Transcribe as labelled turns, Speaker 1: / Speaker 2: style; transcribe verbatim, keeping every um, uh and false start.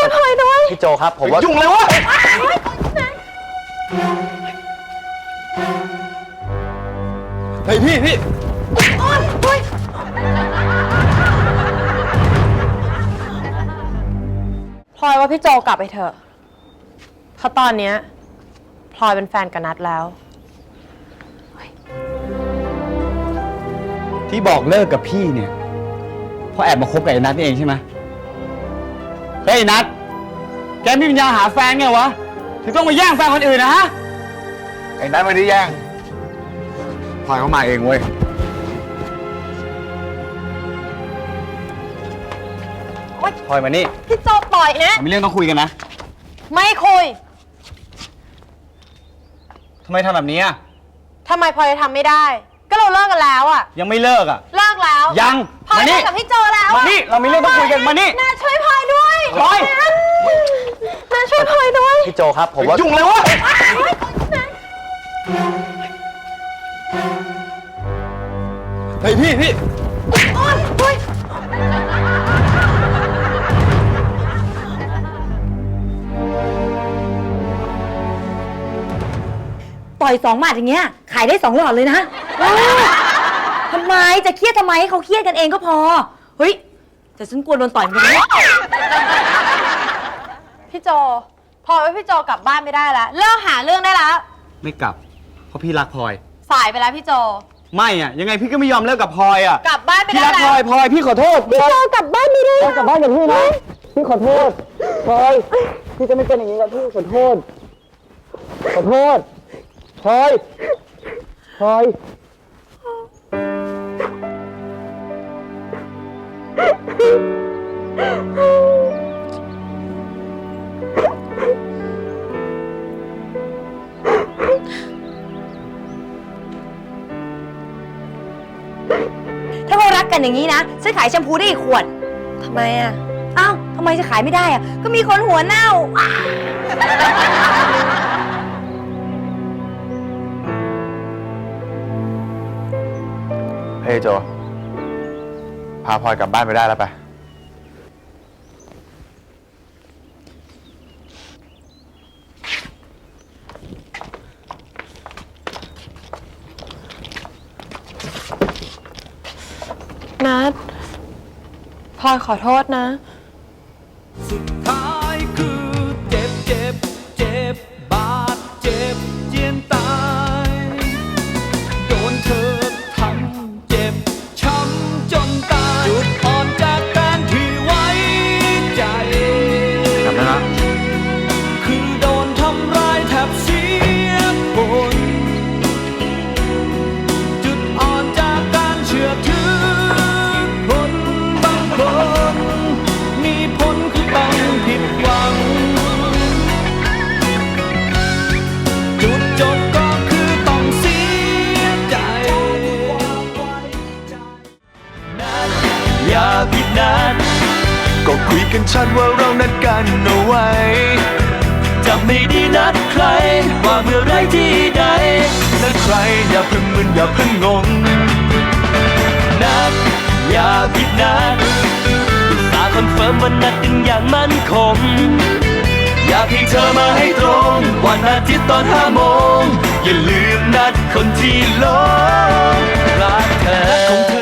Speaker 1: วยพลอยด้วย
Speaker 2: พี่โจครับผมว่ายุ่งเลยวะเฮ้ยพี่พี่
Speaker 1: โอ๊ยโอ๊ยพลอยว่าพี่โจกลับไปเถอะเพราะตอนนี้พลอยเป็นแฟนกับนัทแล้ว
Speaker 2: ที่บอกเลิกกับพี่เนี่ยเพราะแอบมาคบกับไอ้นัทนี่เองใช่ไหมเฮ้ยนัทแกไม่มีปัญญาหาแฟนไงวะถึงต้องมาแย่งแฟนคนอื่นนะฮะไอ้นัทไม่ได้แย่งพลอยเขามาเองเว้ยพลอยมานี่
Speaker 1: พี่โจปล่อยนะ
Speaker 2: มีเรื่องต้องคุยกันนะ
Speaker 1: ไม่คุย
Speaker 2: ทำไมทำแบบนี้อ่ะ
Speaker 1: ทำไมพลอยทำไม่ได้ก็เราเลิกกันแล้วอ่ะ
Speaker 2: ยังไม่เลิกอ่ะ
Speaker 1: เลิกแล้ว
Speaker 2: ยัง
Speaker 1: พลอยเลิกกับพี่โจแล้ว
Speaker 2: มานี่เรามีเรื่องต้องคุยกันมานี่
Speaker 1: นาช่วยพลอยด้วย
Speaker 2: พลอย
Speaker 1: นาช่วยพลอยด้วย
Speaker 2: พี่โจครับผมว่ายุ่งเลยวะเฮ้ยพี่พี่
Speaker 1: โอ๊ยโอ๊ย
Speaker 3: ปล่อยสองหมัดอย่างเงี้ยขายได้สองหลอดเลยนะทำไมจะเครียดทำไมเขาเครียดกันเองก็พอเฮ้ยแต่ฉันกลัวโดนต่อยเหมือนกันนะ
Speaker 1: พี่โจพลอยว่าพี่โจกลับบ้านไม่ได้แล้วเลิกหาเรื่องได้แล้ว
Speaker 2: ไม่กลับเพราะพี่รักพลอย
Speaker 1: สายไปแล้วพี่โจ
Speaker 2: ไม่อ่ะยังไงพี่ก็ไม่ยอมเลิกกับพลอยอ่ะ
Speaker 1: กลับบ้านไม่ได้
Speaker 2: แล้วพี่รักพลอยพลอยพี่ขอโทษ
Speaker 1: พี่โจกลับบ้านไม่ได้
Speaker 2: กลับบ้านกับพี่นะพี่ขอโทษพลอยพี่จะไม่เป็นอย่างนี้กับพี่ขอโทษขอโทษพลอยพลอย
Speaker 3: ถ้าเขารักกันอย่างนี้นะฉันขายแชมพูได้อีกขวด
Speaker 1: ทำไมอ่ะ
Speaker 3: อ้าวทำไมจะขายไม่ได้อ่ะก็มีคนหัวเน่า
Speaker 2: เฮ้ยโจพาพลอยกลับบ้านไปได้แล้วไป
Speaker 1: นัทพลอยขอโทษนะ
Speaker 4: สุดท้ายคือเจ็บเจ็บเจ็บบาดเจ็บเจียนตายโดนเธอทำเจ็บช้ำจนตายจุดอ่อนจากการที่ไว้ใจ
Speaker 2: จำได้ละ
Speaker 4: คือโดนทำร้ายแทบเสียผลจุดอ่อนจากการเชื่อถือคนบางคนมีผลคือต้องผิดหวังจุดจบก็คือต้องเสียใจนัดอย่าผิดนัดก็คุยกันชัดว่าเรานัดกันเอาไว้จะไม่ได้นัดใครว่าเมื่อไรที่ใดนัดใครอย่าเพิ่งมึนอย่าเพิ่งงงนัดอย่าผิดนัดอุตส่าห์คอนเฟิร์มว่านัดกันอย่างมั่นคงอยากให้เธอมาให้ตรงวันอาทิตย์ตอนห้าโมงอย่าลืมนัดคนที่หลงรักเธอ